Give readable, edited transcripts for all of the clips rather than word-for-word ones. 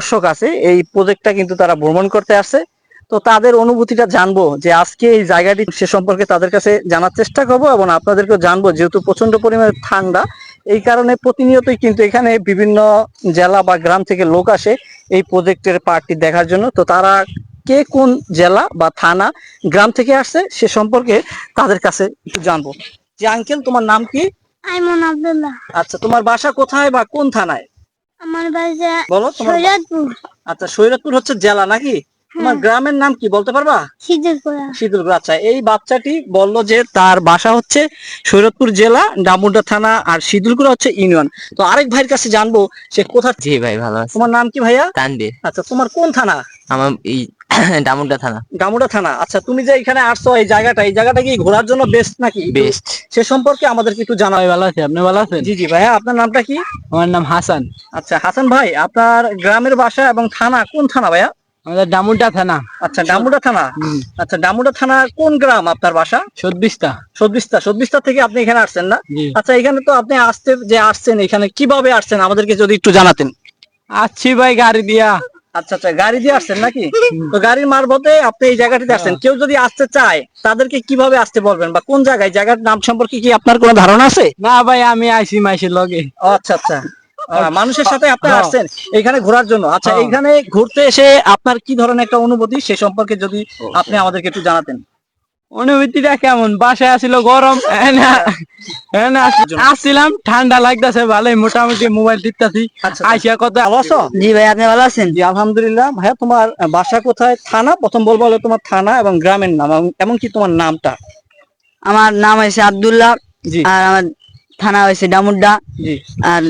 দর্শক আছে এই প্রজেক্টটা কিন্তু তারা ভ্রমণ করতে আসছে। তো তাদের অনুভূতিটা জানবো যে আজকে এই জায়গাটি সে সম্পর্কে তাদের কাছে জানার চেষ্টা করবো এবং আপনাদেরকেও জানবো, যেহেতু প্রচন্ড পরিমাণে ঠান্ডা এই কারণে প্রতিনিয়তই কিন্তু এখানে বিভিন্ন জেলা বা গ্রাম থেকে লোক আসে এই প্রজেক্টের পার্টটি দেখার জন্য। তো তারা কে কোন জেলা বা থানা গ্রাম থেকে আসছে সে সম্পর্কে তাদের কাছে একটু জানবো। যে আঙ্কেল, তোমার নাম কি? আইমন আব্দুল্লাহ। আচ্ছা, তোমার বাসা কোথায় বা কোন থানায়? আমার বাসা বলো তোমার সৈয়দপুর। আচ্ছা, সৈয়দপুর হচ্ছে জেলা নাকি? তোমার গ্রামের নাম কি বলতে পারবা? শীতলপুরা। শীতলপুর। আচ্ছা, এই বাচ্চাটি বললো যে তার বাসা হচ্ছে সৈয়দপুর জেলা, ডামুড্ডা থানা, আর শীতলপুর হচ্ছে ইউনিয়ন। তো আরেক ভাইয়ের কাছে জানবো সে কোথা। জি ভাই, ভালো আছে। তোমার নাম কি ভাইয়া? তানভীর। আচ্ছা, তোমার কোন থানা? আমার এই ডামুড্ডা থানা। গামুড়া থানা। আচ্ছা, তুমি যে এখানে আসছো এই জায়গাটা কি ঘোরার জন্য বেস্ট নাকি? বেস্ট। সে সম্পর্কে আমাদেরকে একটু জানাও। ভালো আছি, আপনি ভালো আছেন? জি জি ভাইয়া, আপনার নামটা কি? আমার নাম হাসান। আচ্ছা হাসান ভাই, আপনার গ্রামের বাসা এবং থানা কোন থানা ভাইয়া? আমাদের ডামুড্ডা থানা। আচ্ছা, ডামুডা থানা। আচ্ছা, ডামুডা থানা কোন গ্রাম আপনার বাসা? সদ্বিস্তা। সদবিস্তা থেকে আপনি এখানে আসছেন না? জি। আচ্ছা, এখানে তো আপনি আসছেন এখানে কিভাবে আসছেন আমাদেরকে যদি একটু জানাতেন। আসছি ভাই গাড়ি দিয়া। আচ্ছা আচ্ছা, গাড়ি দিয়ে আসছেন নাকি? তো গাড়ির মারফতে আপনি এই জায়গাটিতে আসছেন। কেউ যদি আসতে চায় তাদেরকে কিভাবে আসতে বলবেন বা কোন জায়গার নাম সম্পর্কে কি আপনার কোনো ধারণা আছে? না ভাই, আমি আইছি মাইসের লগে। আচ্ছা আচ্ছা, মানুষের সাথে আপনি হ্যাঁ। আসছেন এখানে ঘোরার জন্য। আচ্ছা, হ্যাঁ। এইখানে ঘুরতে এসে আপনার কি ধরনের একটা অনুভূতি সে সম্পর্কে যদি আপনি আমাদেরকে একটু জানাতেন। অনুভূতিটা কেমন? বাসায় আসছিল গরম, আসছিলাম ঠান্ডা লাগতেছে ভালোই, মোটামুটি মোবাইল টিপতাছি। আচ্ছা, আইসা কত ভালো আছো? জি ভাই, আপনি ভালো আছেন? জি আলহামদুলিল্লাহ। ভাইয়া, তোমার বাসা কোথায়, থানা প্রথম বলবো, হলো তোমার থানা এবং গ্রামের নাম, এমনকি তোমার নামটা। আমার নাম হয়েছে আব্দুল্লাহ। জি আর আমার থানা হয়েছে ডামুড্ডা। জি। আর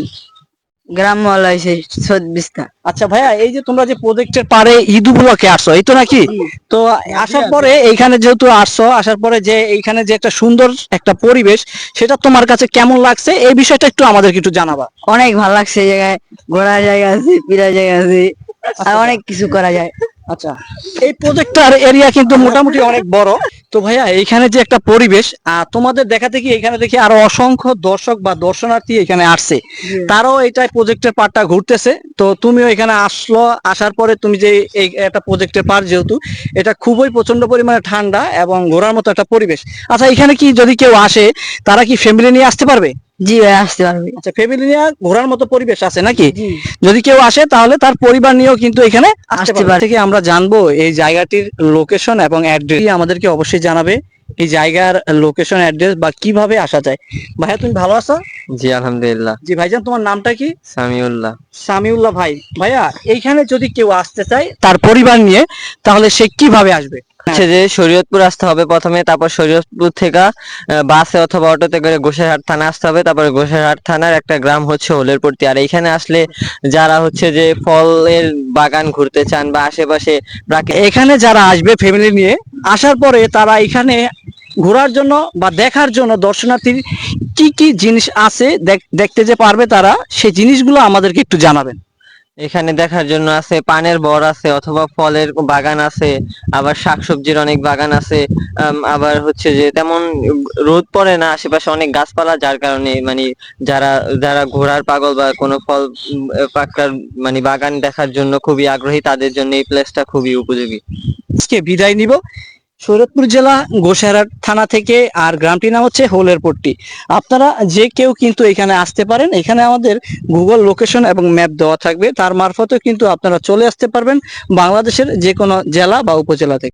গ্রাম হয়েছে সৈয়দবিস্তা। আচ্ছা ভাইয়া, এই যে তোমরা যে প্রজেক্টের পারে ঈদ উপলক্ষে আসছো, এই তো নাকি? তো আসার পরে এইখানে যেহেতু আসছো, আসার পরে যে এইখানে যে একটা সুন্দর একটা পরিবেশ, সেটা তোমার কাছে কেমন লাগছে এই বিষয়টা একটু আমাদেরকে একটু জানাবা। অনেক ভালো লাগছে এই জায়গায়। ঘোরার জায়গা আছে, ফিরার জায়গা আছে, আর অনেক কিছু করা যায়। আচ্ছা, এই প্রজেক্টটার এরিয়া কিন্তু মোটামুটি অনেক বড়। তো ভাইয়া, এইখানে যে একটা পরিবেশ তোমাদের দেখাতে কি এখানে দেখি আরো অসংখ্য দর্শক বা দর্শনার্থী এখানে আসছে, তারাও এইটাই প্রজেক্টের পার্টটা ঘুরতেছে। তো তুমিও এখানে আসার পরে তুমি যে এই একটা প্রজেক্টের পার্ট, যেহেতু এটা খুবই প্রচন্ড পরিমাণে ঠান্ডা এবং ঘোরার মতো একটা পরিবেশ। আচ্ছা, এখানে কি যদি কেউ আসে তারা কি ফ্যামিলি নিয়ে আসতে পারবে? জি ভাই, আসতে পারবে। আচ্ছা, ফ্যামিলি নিয়ে ঘোরার মতো পরিবেশ আছে নাকি? যদি কেউ আসে তাহলে তার পরিবার নিয়েও কিন্তু এখানে আসতে পারে। থেকে আমরা জানবো এই জায়গাটির লোকেশন এবং অ্যাড্রেস আমাদেরকে অবশ্যই জানাবে, এই জায়গার লোকেশন অ্যাড্রেস বা কিভাবে আসা যায়। ভাইয়া, তুমি ভালো আছো? জি আলহামদুলিল্লাহ। জি ভাইজান, তোমার নামটা কি? সামিউল্লাহ। সামিউল্লাহ ভাই। ভাইয়া, এইখানে যদি কেউ আসতে চায় তার পরিবার নিয়ে, তাহলে সে কিভাবে আসবে? হচ্ছে যে শরীয়তপুর আসতে হবে প্রথমে, তারপর শরীয়তপুর থেকে বাসে অথবা অটোতে করে গোসাইরহাট থানা আসতে হবে, তারপরে গোসাইরহাট থানার একটা গ্রাম হচ্ছে হোলেরপট্টি। আর এইখানে আসলে যারা হচ্ছে যে ফলের বাগান ঘুরতে চান বা আশেপাশে এখানে যারা আসবে ফ্যামিলি নিয়ে, আসার পরে তারা এখানে ঘোরার জন্য বা দেখার জন্য দর্শনার্থীর কি কি জিনিস আছে দেখতে যে পারবে, তারা সেই জিনিসগুলো আমাদেরকে একটু জানাবেন। এখানে দেখার জন্য আছে পানের বর আছে, অথবা ফলের বাগান আছে, আবার শাকসবজির অনেক বাগান আছে। আবার হচ্ছে যে তেমন রোদ পড়ে না, আশেপাশে অনেক গাছপালা, যার কারণে মানে যারা যারা ঘোড়ার পাগল বা কোনো ফল পাকার মানে বাগান দেখার জন্য খুবই আগ্রহী, তাদের জন্য এই প্লেসটা খুবই উপযোগী। আজকে বিদায় নিব শরীয়তপুর জেলা গোসাইরহাট থানা থেকে, আর গ্রামটির নাম হচ্ছে হোলেরপট্টি। আপনারা যে কেউ কিন্তু এখানে আসতে পারেন। এখানে আমাদের গুগল লোকেশন এবং ম্যাপ দেওয়া থাকবে, তার মারফতেও কিন্তু আপনারা চলে আসতে পারবেন বাংলাদেশের যে কোনো জেলা বা উপজেলা থেকে।